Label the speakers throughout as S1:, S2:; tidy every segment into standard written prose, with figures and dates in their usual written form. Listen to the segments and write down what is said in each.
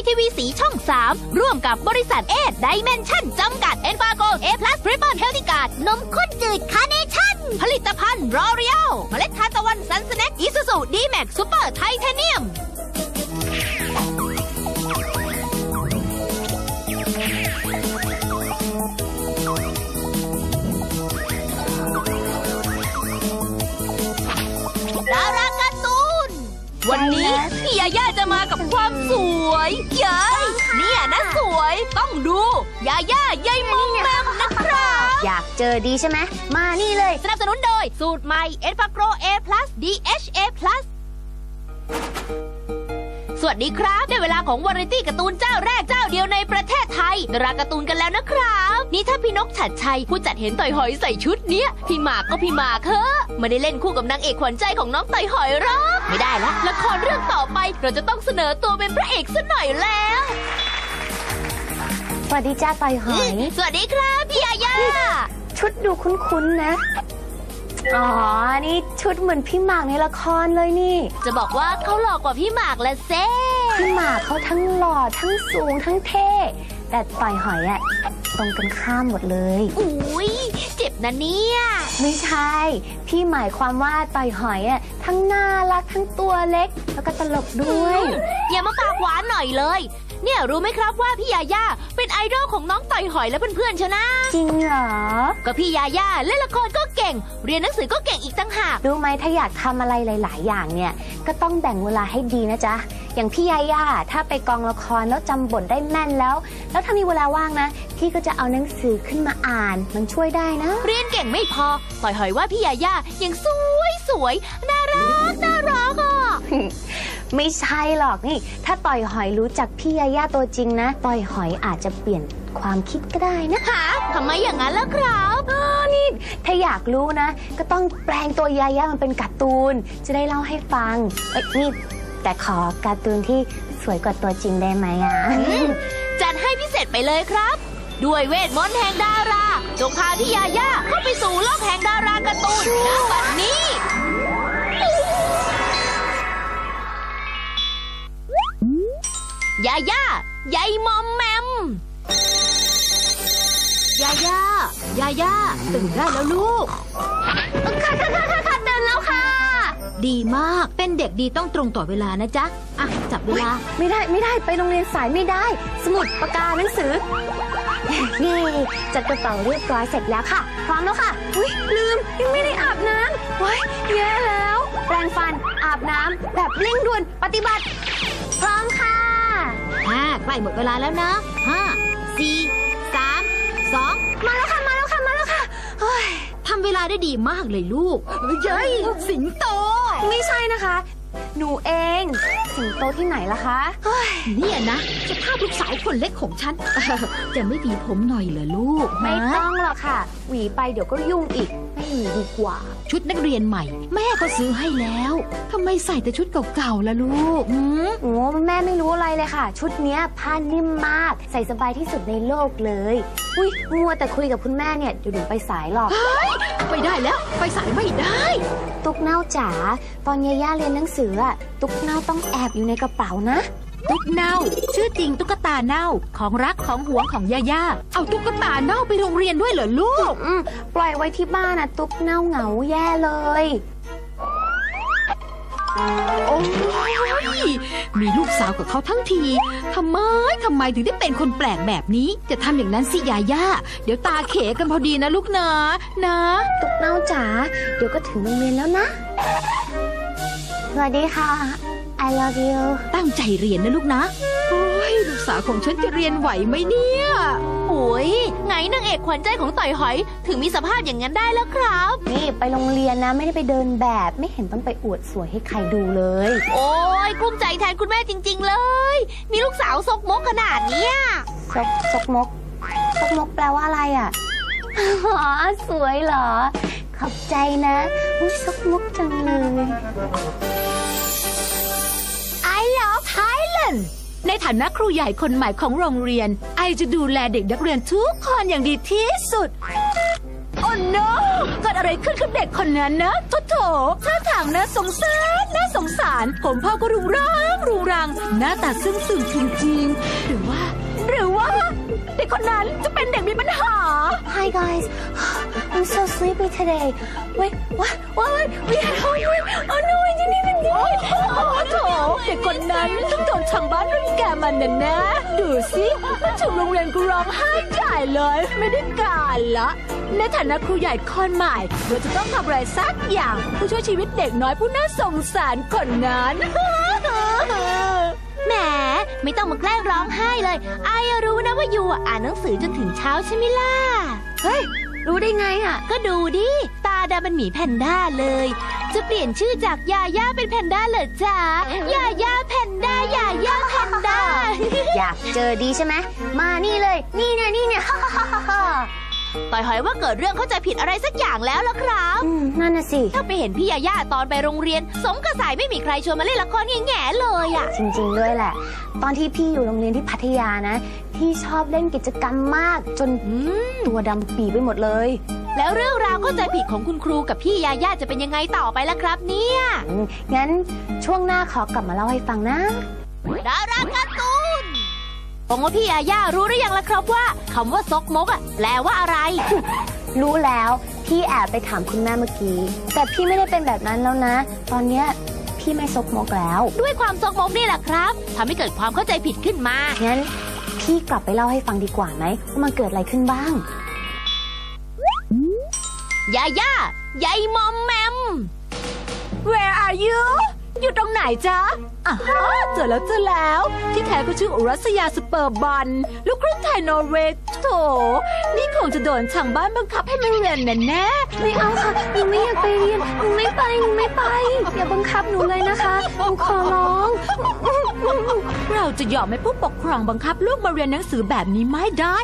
S1: ทีวีสีช่อง 3 ร่วมกับบริษัทไดเมนชั่นจำกัด Enfago A+ Triple Healthy Guard นมข้นจืดคาร์เนชั่น ผลิตภัณฑ์รอเรียลเมล็ดทานตะวันซันสแน็คอิซูซูดีแม็กซูเปอร์ไทเทเนียมดาราการ์ตูนวันนี้พี่ยาย่าจะมากับความสวยเย้ยเนี่ยนะสวยต้องดูยาย่ายายมองแมมนะครับ
S2: อยากเจอดีใช่ไหมมานี่เลย
S1: สนับสนุนโดยสูตรใหม่ Enfago A+ DHA+ สวัสดีครับได้เวลาของวาไรตี้การ์ตูนเจ้าแรกเจ้าเดียวในประเทศไทยดาราการ์ตูนกันแล้วนะครับนี่ถ้าพี่นกฉัตรชัยผู้จัดเห็นต่อยหอยใส่ชุดเนี้ยพี่หมากก็พี่หมากเถอะไม่ได้เล่นคู่กับนางเอกขวัญใจของน้องต่อยหอยหรอกไม่ได้ละละครเรื่องต่อไปเราจะต้องเสนอตัวเป็นพระเอกซะหน่อยแล้ว
S2: สวัสดีจ้าต่อยหอย
S1: สวัสดีครับพี่ยาย่า
S2: ชุดดูคุ้นๆนะอ๋อนี่ชุดเหมือนพี่หมากในละครเลยนี่
S1: จะบอกว่าเขาหล่อกว่าพี่หมากละเซ่
S2: พี่หมากเขาทั้งหล่อทั้งสูงทั้งเท่แต่ต่อยหอยอะตรงกันข้ามหมดเลย
S1: อุ้ยเจ็บนะเนี่ย
S2: ไม่ใช่พี่หมายความว่าต่อยหอยอะทั้งน่ารักทั้งตัวเล็กแล้วก็ตลกด้วย
S1: อย่ามาปากหวานหน่อยเลยเนี่ยรู้ไหมครับว่าพี่ยาย่าเป็นไอดอลของน้องต่อยหอยและเพื่อนๆชนะ
S2: จริงเหรอ
S1: ก็พี่ยาย่าเล่นละครก็เก่งเรียนหนังสือก็เก่งอีกตั้งหาก
S2: รู้ไหมถ้าอยากทำอะไรหลายๆอย่างเนี่ยก็ต้องแบ่งเวลาให้ดีนะจ๊ะอย่างพี่ยาย่าถ้าไปกองละครแล้วจำบทได้แม่นแล้วถ้ามีเวลาว่างนะพี่ก็จะเอาหนังสือขึ้นมาอ่านมันช่วยได้นะ
S1: เรียนเก่งไม่พอต่อยหอยว่าพี่ยาย่ายังสวยน่ารักอ่ะ
S2: ไม่ใช่หรอกนี่ถ้าต่อยหอยรู้จักพี่ยาย่าตัวจริงนะต่อยหอยอาจจะเปลี่ยนความคิดก็ได้นะ
S1: ฮะทำไมอย่างนั้นล่ะครับ
S2: นี่ถ้าอยากรู้นะก็ต้องแปลงตัวยาย่ามันเป็นการ์ตูนจะได้เล่าให้ฟังนี่แต่ขอการ์ตูนที่สวยกว่าตัวจริงได้ไหมอ่ะ
S1: จัดให้พิเศษไปเลยครับด้วยเวทมนต์แห่งดาราจงพาพี่ยาย่าเข้าไปสู่โลกแห่งดาราการ์ตูนณบัดนี้ยาย่ายายมอมแมมยาย่ตื่นได้แล้วลูก
S2: ค่ะตื่นแล้วค่ะ
S1: ดีมากเป็นเด็กดีต้องตรงต่อเวลานะจ๊ะอ่ะจับเวลา
S2: ไม่ได้ไปโรงเรียนสายไม่ได้สมุดปากกาหนังสือเย่จัดกระเป๋าเรียบร้อยเสร็จแล้วค่ะพร้อมแล้วค่ะอุ๊ยลืมยังไม่ได้อาบน้ำว้ายแย่แล้วแปรงฟันอาบน้ำแบบเร่งด่วนปฏิบัติพร้อมค่ะ
S1: ใกล้หมดเวลาแล้วนะ5 4 3 2
S2: มาแล้วค่ะเฮ้ย
S1: ทำเวลาได้ดีมากเลยลูกเย้ยสิงโต
S2: ไม่ใช่นะคะหนูเองสิงโตที่ไหนล่ะคะ
S1: เนี่ยนะสภาพลูกสาวคนเล็กของฉันจะไม่หวีผมหน่อยเหรอลูก
S2: ไม่ต้องหรอกค่ะหวีไปเดี๋ยวก็ยุ่งอีกไม่หวีดีกว่า
S1: ชุดนักเรียนใหม่แม่ก็ซื้อให้แล้วทำไมใส่แต่ชุดเก่าๆล่ะลูก
S2: โอ้แม่ไม่รู้อะไรเลยค่ะชุดเนี้ยผ้านิ่มมากใส่สบายที่สุดในโลกเลยอุ้ยมัวแต่คุยกับคุณแม่เนี่ยเดี๋ยวหนูไปสายหรอก
S1: ไปได้แล้วไปสายไม่ได้
S2: ตุ๊กเน่าจ๋าตอนย่าเรียนหนังสืออะตุ๊กเน่าต้องแอบอยู่ในกระเป๋านะ
S1: ตุ๊กเน่าชื่อจริงตุ๊กตาเน่าของรักของหวงของย่าเอาตุ๊กตาเน่าไปโรงเรียนด้วยเหรอลูก
S2: ปล่อยไว้ที่บ้านนะตุ๊กเน่าเหงาแย่เลย
S1: โอ้ยมีลูกสาวกับเขาทั้งทีทำไมถึงได้เป็นคนแปลกแบบนี้จะทำอย่างนั้นสิยาย่าเดี๋ยวตาเขกันพอดีนะลูกนะ
S2: ตุ๊กเน่าจ๋าเดี๋ยวก็ถึงโรงเรียนแล้วนะสวัสดีค่ะ I love you
S1: ตั้งใจเรียนนะลูกนะโอ้ยลูกสาวของฉันจะเรียนไหวไหมเนี่ยโอ้ยไงนางเอกขวัญใจของต่อยหอยถึงมีสภาพอย่างนั้นได้แล้วครับ
S2: นี่ไปโรงเรียนนะไม่ได้ไปเดินแบบไม่เห็นต้องไปอวดสวยให้ใครดูเลย
S1: โอ้ยกลุ้มใจแทนคุณแม่จริงๆเลยมีลูกสาวซกมกขนาดนี้
S2: ซกมกแปลว่าอะไรอ่ะอ๋อสวยเหรอขอบใจนะซกมกจังเลย
S1: I love Thailand ในฐานะครูใหญ่คนใหม่ของโรงเรียนไอจะดูแลเด็กนักเรียนทุกคนอย่างดีที่สุดโอ้
S3: no เกิดอะไรขึ้นกับเด็กคนนั้นนะโถท่าทางน่าสงสารผมพ่อก็รุงรังหน้าตาซึ้งจริงๆหรือว่าเด็กคนนั้นจะเป็นเด็กมีปัญหา
S2: Hi guys I'm so sleepy today Wait what we had homework Oh no I didn't even do it
S3: โถเด็กคนนั้นต้องโดนทางบ้านรังแกมันนะ ดูสิมาถึงโรงเรียนก็ร้องไห้ใหญ่เลยไม่ได้การละในฐานะครูใหญ่คนใหม่เราจะต้องทำอะไรสักอย่างผู้ช่วยชีวิตเด็กน้อยผู้น่าสงสารคนนั้น
S1: แหมไม่ต้องมาแกล้งร้องไห้เลยอายรู้นะว่ายูอ่านหนังสือจนถึงเช้าใช่ไหมล่ะ
S2: เฮ้ยรู้ได้ไงอ่ะ
S1: ก็ดูดิตาดำเป็นหมีแพนด้าเลย จะเปลี่ยนชื่อจากยาย่าเป็นแพนด้าเหรอจ๊ะยาย่าแพนด้ายาย่าแพนด้า
S2: อยากเจอดีใช่ไหมมานี่เลยนี่เนี่ยฮ่า
S1: ต่อยหอยว่าเกิดเรื่องเข้าใจผิดอะไรสักอย่างแล้วล่ะครับ
S2: นั่นน่ะสิ
S1: ถ้าไปเห็นพี่ยาย่าตอนไปโรงเรียน สมกระสายไม่มีใครชวนมาเล่นละครแง่ๆเลยอ่ะ
S2: จริงๆด้วยแหละ ตอนที่พี่อยู่โรงเรียนที่พัทยานะพี่ชอบเล่นกิจกรรมมากจนตัวดำปีไปหมดเลย
S1: แล้วเรื่องราวเข้าใจผิดของคุณครูกับพี่ยาย่าจะเป็นยังไงต่อไปล่ะครับเนี่ย
S2: งั้นช่วงหน้าขอกลับมาเล่าให้ฟังนะ
S1: ดาราการ์ตูนผมว่าพี่ยาย่ารู้หรือยังล่ะครับว่าคำว่าซกมกอ่ะแปลว่าอะไร
S2: รู้แล้วพี่แอบไปถามคุณแม่เมื่อกี้ แต่พี่ไม่ได้เป็นแบบนั้นแล้วนะ ตอนเนี้ยพี่ไม่ซกมกแล้ว
S1: ด้วยความซกมกนี่แหละครับทำให้เกิดความเข้าใจผิดขึ้นมา
S2: งั้นพี่กลับไปเล่าให้ฟังดีกว่าไหมว่ามันเกิดอะไรขึ้นบ้าง
S1: ยาย่ายายมอมแมม
S3: Where are you อยู่ตรงไหนจ๊ะเจอแล้ว ที่แท้ก็ชื่ออุรัสยาสเปอร์บอลลูกครึ่งไทยนอร์เวย์โถนี่คงจะโดนทางบ้านบังคับให้มาเรียนแน่
S2: ไม่เอาค่ะหนูไม่อยากไปเรียนหนูไม่ไปอย่าบังคับหนูเลยนะคะหนูขอร้อง
S3: ๆเราจะยอมให้ผู้ปกครองบังคับลูกมาเรียนหนังสือแบบนี้ไม่ได้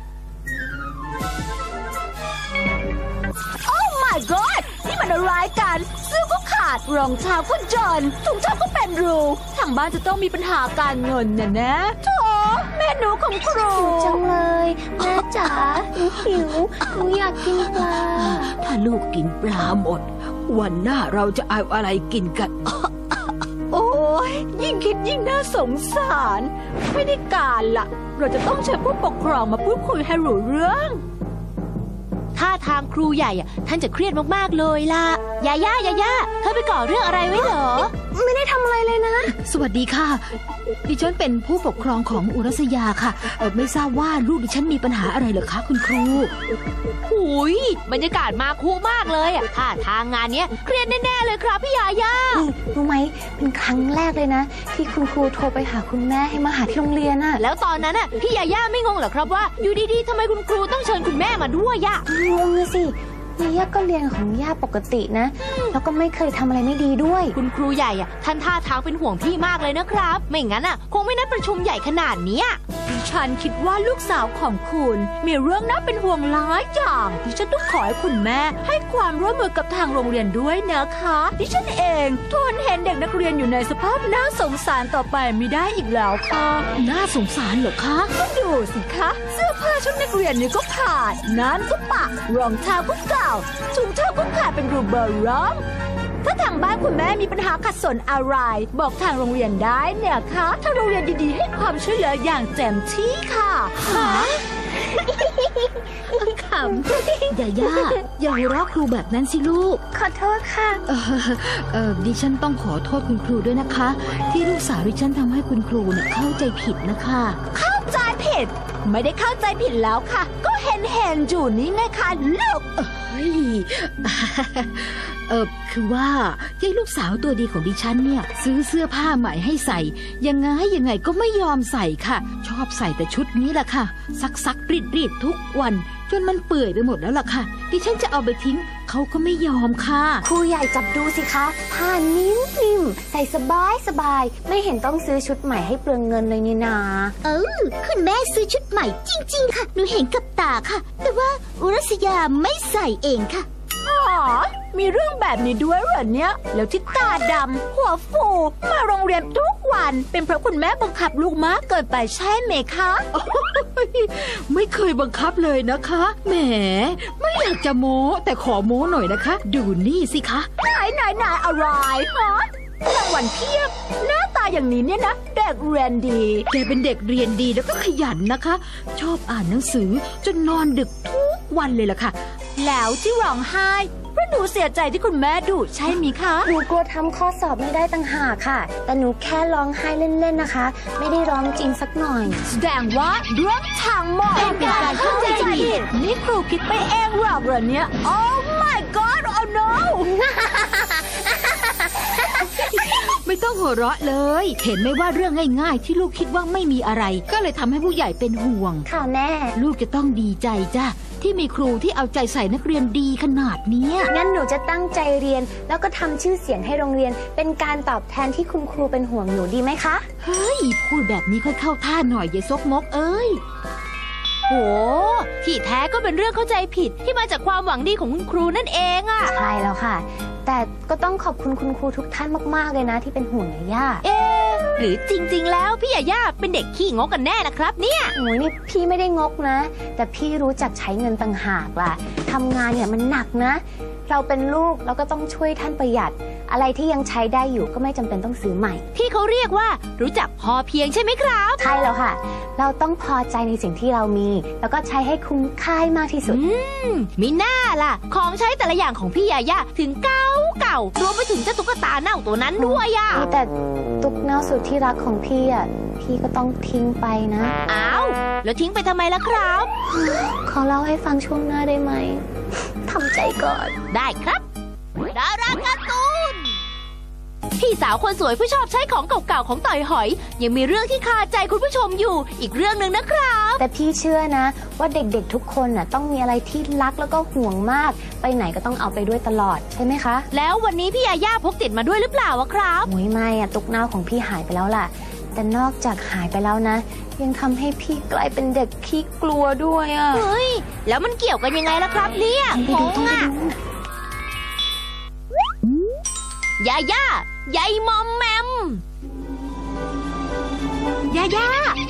S3: My God นี่มันอะไรกันเสื้อก็ขาดรองเท้าก็จนถุงเท้าก็เป็นรูทางบ้านจะต้องมีปัญหาการเงินนะโถแม่หนูของครู
S2: จังเลยแม่จ๋าหนูหิวหนูอยากกินปลา
S3: ถ้าลูกกินปลาหมด วันหน้าเราจะเอาอะไรกินกัน โอ้ยยิ่งคิดยิ่งน่าสงสาร ไม่ได้การละเราจะต้องเชิญผู้ปกครองมาพูดคุยให้รู้เรื่อง
S1: ท่าทางครูใหญ่อะท่านจะเครียดมากๆเลยล่ะยาย่เธอไปก่อเรื่องอะไรไว้เหรอ
S2: ไม่ได้ทำอะไรเลยนะ
S3: สวัสดีค่ะ ดิฉันเป็นผู้ปกครองของอุรัสยาค่ะไม่ทราบว่าลูกดิฉันมีปัญหาอะไรเหรอคะคุณครู
S1: หุยบรรยากาศมาคุมากเลยอะท่าทางงานเนี้ยเครียดแน่ๆเลยครับพี่ยาย่า
S2: รู้ไหมเป็นครั้งแรกเลยนะ ที่คุณครูโทรไปหาคุณแม่ให้มาหาที่โรงเรียนน่ะ
S1: แล้วตอนนั้นอะพี่ยาย่าไม่งงเหรอครับว่าอยู่ดีๆทำไมคุณครูต้องเชิญคุณแม่มาด้วยอะ
S2: งงเลยสิย่าก็เรียนของย่าปกตินะ แล้วก็ไม่เคยทำอะไรไม่ดีด้วย
S1: คุณครูใหญ่อะท่านท่าทางเป็นห่วงพี่มากเลยนะครับ ไม่งั้นอะคงไม่นัดประชุมใหญ่ขนาดเนี้ย
S3: ฉันคิดว่าลูกสาวของคุณมีเรื่องน่าเป็นห่วงหลายอย่างดิฉันต้องขอให้คุณแม่ให้ความร่วมมือกับทางโรงเรียนด้วยนะคะดิฉันเองทนเห็นเด็กนักเรียนอยู่ในสภาพน่าสงสารต่อไปไม่ได้อีกแล้วค่ะน่าสงสารเหรอคะก็ดูสิคะเสื้อผ้าชุดนักเรียนนี่ก็ขาดนั้นก็ปะรองเท้าก็เก่าถุงเท้าก็ขาดเป็นรูเบอร์ร้องถ้าทางบ้านคุณแม่มีปัญหาขัดสนอะไรบอกทางโรงเรียนได้เนี่ยคะทางโรงเรียนดีๆให้ความช่วยเหลืออย่างเต็มที่ค่ะขำอย่าหัวเราะครูแบบนั้นสิลูก
S2: ขอโทษค่ะ
S3: ดิฉันต้องขอโทษคุณครูด้วยนะคะ ที่ลูกสาวดิฉันทำให้คุณครูเนี่ยเข้าใจผิดนะคะเข้าใจผิดไม่ได้เข้าใจผิดแล้วค่ะ ก็เห็นอยู่นี่ไงคะลูกคือว่ายายลูกสาวตัวดีของดิฉันเนี่ยซื้อเสื้อผ้าใหม่ให้ใส่ยังไงก็ไม่ยอมใส่ค่ะ ชอบใส่แต่ชุดนี้แหละค่ะซักรีดทุกวันจนมันเปื่อยไปหมดแล้วล่ะค่ะดิฉันจะเอาไปทิ้งเขาก็ไม่ยอมค่ะ
S2: ครูใหญ่จับดูสิคะผ้านิ่มๆใส่สบายไม่เห็นต้องซื้อชุดใหม่ให้เปลืองเงินเลยนี่นา
S4: คุณแม่ซื้อชุดใหม่จริงๆค่ะ หนูเห็นกับตาค่ะ แต่ว่าอุรัสยาไม่ใส่เองค่ะ
S3: อ๋อมีเรื่องแบบนี้ด้วยเหรอเนี่ยแล้วที่ตาดำหัวฟูมาโรงเรียนทุกวันเป็นเพราะคุณแม่บังคับลูกมากเกินไปใช่ไหมคะ
S5: ไม่เคยบังคับเลยนะคะแหมไม่อยากจะโม้แต่ขอโม้หน่อยนะคะ ดูนี่สิคะ
S3: ไหนอะไรฮะรางวัลเพียบหน้าตาอย่างนี้เนี่ยนะเด็กเรียนดี
S5: แกเป็นเด็กเรียนดีแล้วก็ขยันนะคะ ชอบอ่านหนังสือจนนอนดึกทุกวันเลยล่ะค่ะ
S3: แล้วที่ร้องไห้เพราะหนูเสียใจที่คุณแม่ดุใช่ไหมคะ
S2: หนูกลัวทำข้อสอบไม่ได้ต่างหากค่ะ แต่หนูแค่ร้องไห้เล่นๆนะคะ ไม่ได้ร้องจริงสักหน่อย
S3: แสดงว่าเรื่องทางหมดเป็นการเข้าใจผิดนี่ครูคิดไปเองหรอกเหรอเนี่ย Oh my god oh no
S5: ไม่ต้องหัวเราะเลย เห็นไหมว่าเรื่องง่ายๆ ที่ลูกคิดว่าไม่มีอะไร ก็เลยทำให้ผู้ใหญ่เป็นห่วง
S2: ค่ะแม่
S5: ลูกจะต้องดีใจจ้ะที่มีครูที่เอาใจใส่นักเรียนดีขนาดเนี้ย
S2: งั้นหนูจะตั้งใจเรียน แล้วก็ทำชื่อเสียงให้โรงเรียน เป็นการตอบแทนที่คุณครูเป็นห่วงหนูดีไหมคะ
S5: เฮ้ยพูดแบบนี้ค่อยเข้าท่าหน่อยอย่าซกมกเอ้ย
S1: โหที่แท้ก็เป็นเรื่องเข้าใจผิดที่มาจากความหวังดีของคุณครูนั่นเองอะ
S2: ใช่แล้วค่ะ แต่ก็ต้องขอบคุณคุณครูทุกท่านมากๆเลยนะที่เป็นห่วงย่า
S1: หรือจริงๆแล้วพี่ยาย่าเป็นเด็กขี้งกกันแน่นะครับเนี่ย
S2: โอ้ยนี่พี่ไม่ได้งกนะ แต่พี่รู้จักใช้เงินต่างหากล่ะทำงานเนี่ยมันหนักนะ เราเป็นลูกเราก็ต้องช่วยท่านประหยัด อะไรที่ยังใช้ได้อยู่ก็ไม่จำเป็นต้องซื้อใหม่
S1: ที่เขาเรียกว่ารู้จักพอเพียงใช่ไหมครับ
S2: ใช่แล้วค่ะ เราต้องพอใจในสิ่งที่เรามี แล้วก็ใช้ให้คุ้มค่ามากที่สุด
S1: มิน่าล่ะ ของใช้แต่ละอย่างของพี่ยาย่าถึงเก่ารวมไปถึงเจ้าตุ๊กตาเน่าตัวนั้นด้วยอะ
S2: แต่ตุ๊กเน่าสุดที่รักของพี่อ่ะ พี่ก็ต้องทิ้งไปนะ
S1: อ้าวแล้วทิ้งไปทำไมล่ะครับ
S2: ขอเล่าให้ฟังช่วงหน้าได้ไหม ทำใจก่อน
S1: ได้ครับดาราการ์ตูนพี่สาวคนสวยผู้ชอบใช้ของเก่าๆของต่อยหอย ยังมีเรื่องที่คาใจคุณผู้ชมอยู่อีกเรื่องหนึ่งนะครับ
S2: แต่พี่เชื่อนะ ว่าเด็กๆทุกคนน่ะต้องมีอะไรที่รักแล้วก็ห่วงมาก ไปไหนก็ต้องเอาไปด้วยตลอดใช่ไหมคะ
S1: แล้ววันนี้พี่ยาย่าพกติดมาด้วยหรือเปล่าอะครับ
S2: โอ้ยไม่อะตุ๊กเน่าของพี่หายไปแล้วล่ะ แต่นอกจากหายไปแล้วนะ ยังทำให้พี่กลายเป็นเด็กขี้กลัวด้วยอะ
S1: เฮ้ยแล้วมันเกี่ยวกันยังไงล่ะครับเนี่ย
S2: ไปดูต้องไปดู
S1: ยาย่ายายมอมแมม
S3: ยาย่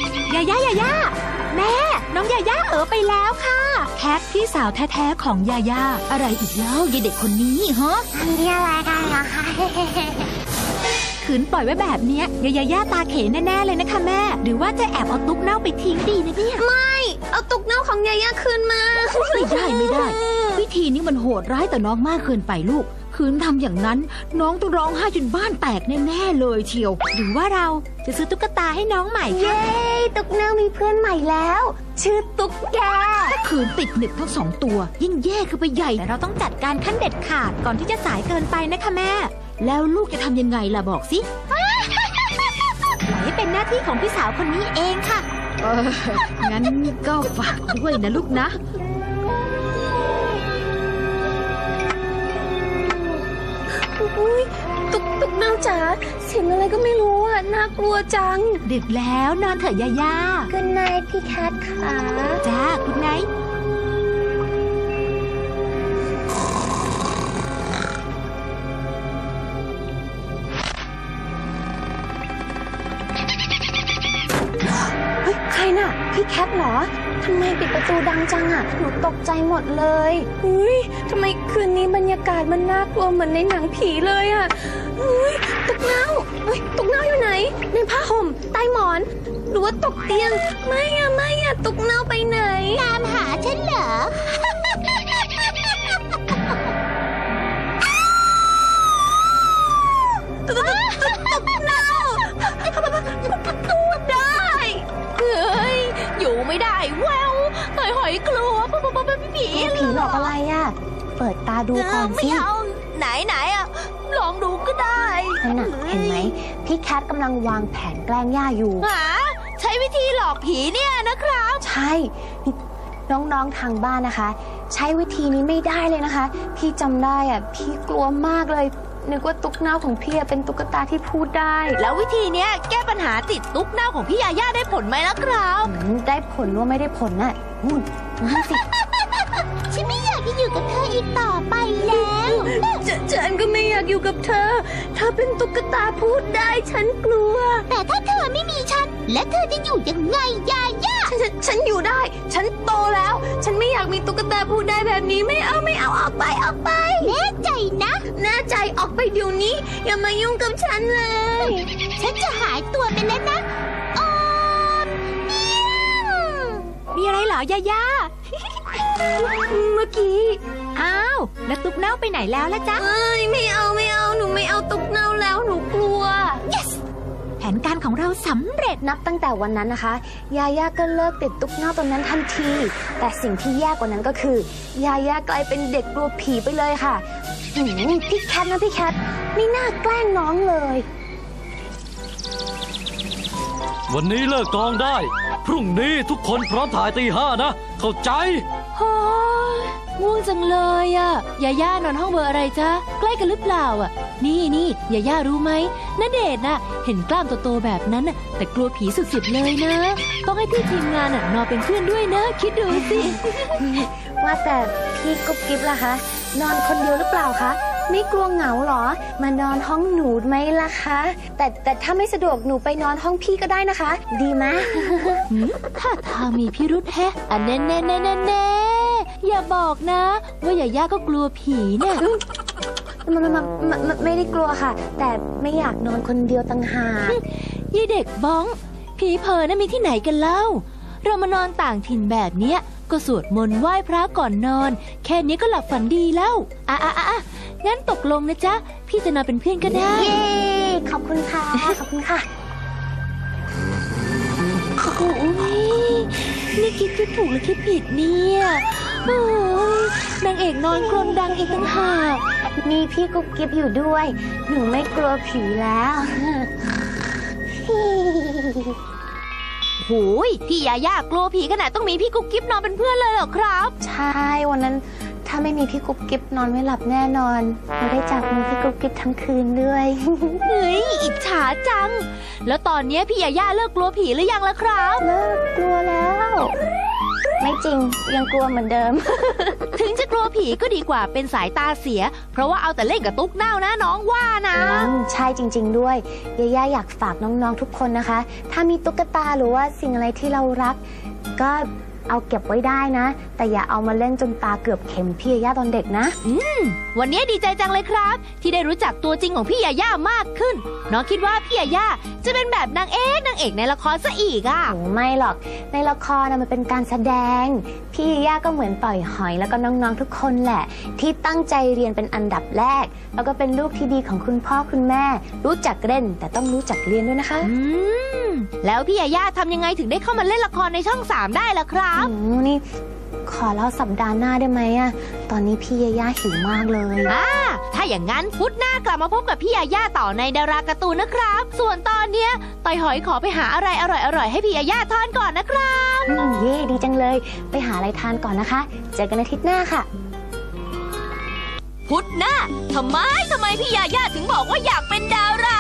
S3: แม่น้องยาย่าไปแล้วค่ะแคทพี่สาวแท้ๆของยาย่า
S5: อะไรอีกแล้วยายเด็กคนนี้ฮะ
S2: นี่อะไรกันเหรอคะ
S3: ขืนปล่อยไว้แบบเนี้ยยาย่าตาเขนแน่ๆเลยนะคะแม่ หรือว่าจะแอบเอาตุ๊กเน่าไปทิ้งดีนะเนี่ย
S2: เอาตุ๊กเน่าของยาย่าคืนมา
S5: ไม่ได้ วิธีนี้มันโหดร้ายต่อน้องมากเกินไปลูก คืนทำอย่างนั้น น้องต้องร้องไห้จนบ้านแตกแน่ๆเลยเชียว
S3: หรือว่าเราจะซื้อตุ๊กตาให้น้องใหม่ค่ะ
S2: เย้ ตุ๊กเน่ามีเพื่อนใหม่แล้ว ชื่อตุ๊กแก
S5: ถ้าคืนติดหนึบทั้งสองตัว ยิ่งแย่คือไปใหญ่
S3: แต่เราต้องจัดการขั้นเด็ดขาดก่อนที่จะสายเกินไปนะคะแม่
S5: แล้วลูกจะทำยังไงล่ะบอกสิ
S3: ปล่อยให้เป็นหน้าที่ของพี่สาวคนนี้เองค่ะ
S5: งั้นก็ฝากด้วยนะลูกนะ
S2: อุ๊ยตุ๊กเน่าจ๋าเสียงอะไรก็ไม่รู้อ่ะ น่ากลัวจัง
S3: ดึกแล้วนอนเถอะยาย่า
S2: Good night พี่แคทค่ะ
S3: จ้าคุณไนท์
S2: เฮ้ย ใครน่ะ พี่แคทเหรอ ทำไมปิดประตูดังจังอ่ะ หนูตกใจหมดเลยอุ้ยทำไมคืนนี้บรรยากาศมันน่ากลัวเหมือนในหนังผีเลยอ่ะอุ้ยตุ๊กเน่าเฮ้ยตุ๊กเน่าอยู่ไหน ในผ้าห่ม ใต้หมอน หรือว่าตกเตียง ไม่อ่ะ ตุ๊กเน่าไปไหน
S1: ตามหาฉันเหรอ เฮ้ย อยู่ไม่ได้แววต่อยหอยกลัวผี
S2: ผีหลอกอะไรอ่ะ เปิดตาดูก่อน
S1: ไม่
S2: สิ
S1: เอาไหนอ่ะ ลองดูก็ได้
S2: นั่นน่ะเห็นไหม พี่แคทกำลังวางแผนแกล้งย่าอยู่
S1: หาใช้วิธีหลอกผีเนี่ยนะครับ
S2: ใช่นี่น้องๆทางบ้านนะคะ ใช้วิธีนี้ไม่ได้เลยนะคะ พี่จำได้อ่ะ พี่กลัวมากเลย นึกว่าตุ๊กเน่าของพี่อะเป็นตุ๊กตาที่พูดได้
S1: แล้ววิธีเนี้ยแก้ปัญหาติดตุ๊กเน่าของพี่ยาย่าได้ผลไหมล่ะครับ
S2: ได้ผลว่าไม่ได้ผลน่ะนู่นสิ
S1: ฉันไม่อยากที่
S4: อยู่กับเธออีกต่อไปแล้ว
S2: ฉันก็ไม่อยากอยู่กับเธอ เธอเป็นตุ๊กตาพูดได้ฉันกลัว
S4: แต่ถ้าเธอไม่มีฉัน และเธอจะอยู่ยังไงยาย่า
S2: ฉันอยู่ได้ ฉันโตแล้ว ฉันไม่อยากมีตุ๊กตาพูดได้แบบนี้ไม่เอาออกไป
S4: แน่ใจนะ
S2: แน่ใจออกไปเดี๋ยวนี้ อย่ามายุ่งกับฉันเลย
S4: ฉันจะหายตัวไปแล้วนะออมเมียว
S3: มีอะไรเหรอยาย่า
S2: เมื่อกี้
S3: อ้าว แล้วตุ๊กเน่าไปไหนแล้วล่ะจ๊ะ
S2: เอ้ยไม่เอาหนูไม่เอาตุ๊กเน่าแล้วหนูกลัว
S3: แผนการของเราสำเร็จ
S2: นับตั้งแต่วันนั้นนะคะ ยาย่าก็เลิกติดตุ๊กเน่าตรงนั้นทันที แต่สิ่งที่แย่กว่านั้นก็คือ ยาย่ากลายเป็นเด็กกลัวผีไปเลยค่ะพี่แคทนะพี่แคทไม่น่าแกล้งน้องเลย
S6: วันนี้เลิกกองได้ พรุ่งนี้ทุกคนพร้อมถ่ายตี 5นะ เข้าใจ
S1: โอ้ยง่วงจังเลยอะยาย่านอนห้องเบอร์อะไรจ๊ะ ใกล้กันหรือเปล่าอะนี่ยาย่ารู้ไหมณเดชน์น่ะ เห็นกล้ามโตๆแบบนั้นน่ะแต่กลัวผีสุดๆเลยนะ ต้องให้พี่ทีมงานน่ะนอนเป็นเพื่อนด้วยนะ คิดดูสิ
S2: ว่าแต่พี่กุ๊บกิ๊บล่ะคะ นอนคนเดียวหรือเปล่าคะไม่กลัวเหงาหรอ มานอนห้องหนูไหมล่ะคะ แต่ถ้าไม่สะดวกหนูไปนอนห้องพี่ก็ได้นะคะ ดีไหม
S1: ถ้าทางมีพิรุษแฮะอันแน่อย่าบอกนะ ว่ายาย่าก็กลัวผีเนี่ย
S2: ไม่ได้กลัวค่ะ แต่ไม่อยากนอนคนเดียวต่างหาก
S1: ยี่เด็กบ้อง ผีเพอนะมีที่ไหนกันเล่า เรามานอนต่างถิ่นแบบเนี้ย ก็สวดมนต์ไหว้พระก่อนนอน แค่นี้ก็หลับฝันดีแล้วงั้นตกลงนะจ๊ะ พี่จะนอนเป็นเพื่อนก็ได้
S2: เย้ขอบคุณค่ะ ขอบคุณค่ะ
S1: โอ้ยนี่คิดถูกหรือคิดผิดเนี่ยโอ้ยนางเอกนอนกรนดังอีกต่างหาก
S2: มีพี่กุ๊บกิ๊บอยู่ด้วย หนูไม่กลัวผีแล้ว
S1: โอ้ยพี่ยาย่ากลัวผีขนาดต้องมีพี่กุ๊กกิ๊บนอนเป็นเพื่อนเลยเหรอครับ
S2: ใช่ วันนั้นถ้าไม่มีพี่กุ๊บกิ๊บนอนไม่หลับแน่นอนเราได้จับมือพี่กุ๊บกิ๊บทั้งคืนด้วย
S1: เฮ้ยอิจฉาจัง แล้วตอนเนี้ยพี่ยาย่าเลิกกลัวผีหรือยังล่ะครับ
S2: เลิกกลัวแล้ว ไม่จริงยังกลัวเหมือนเดิม
S1: ถึงจะกลัวผีก็ดีกว่าเป็นสายตาเสีย เพราะว่าเอาแต่เล่นกับตุ๊กเน่านะน้องว่านะ
S2: ใช่จริง ๆ ด้วยยาย่าอยากฝากน้องๆทุกคนนะคะ ถ้ามีตุ๊กตาหรือว่าสิ่งอะไรที่เรารัก ก็เอาเก็บไว้ได้นะ แต่อย่าเอามาเล่นจนตาเกือบเข็มพี่ยาย่าตอนเด็กนะ
S1: วันนี้ดีใจจังเลยครับ ที่ได้รู้จักตัวจริงของพี่ยาย่ามากขึ้น น้องคิดว่าพี่ยาย่าจะเป็นแบบนางเอกในละครซะอีกอ่ะ
S2: โอ้ไม่หรอกในละครนะมันเป็นการแสดง พี่ยาย่าก็เหมือนต่อยหอยแล้วก็น้องๆทุกคนแหละ ที่ตั้งใจเรียนเป็นอันดับแรก แล้วก็เป็นลูกที่ดีของคุณพ่อคุณแม่ รู้จักเล่นแต่ต้องรู้จักเรียนด้วยนะคะ
S1: แล้วพี่ยาย่าทำยังไงถึงได้เข้ามาเล่นละครในช่อง 3 ได้ล่ะครับ
S2: นี่ขอเล่าสัปดาห์หน้าได้ไหมอะตอนนี้พี่ยาย่าหิวมากเลย
S1: ถ้าอย่างนั้นพุธหน้ากลับมาพบกับพี่ยาย่าต่อในดาราการ์ตูนนะครับ ส่วนตอนเนี้ยต่อยหอยขอไปหาอะไรอร่อยๆให้พี่ยาย่าทานก่อนนะครับ
S2: เย่ดีจังเลย ไปหาอะไรทานก่อนนะคะ เจอกันอาทิตย์หน้าค่ะ
S1: พุธหน้าทำไมพี่ยาย่าถึงบอกว่าอยากเป็นดารา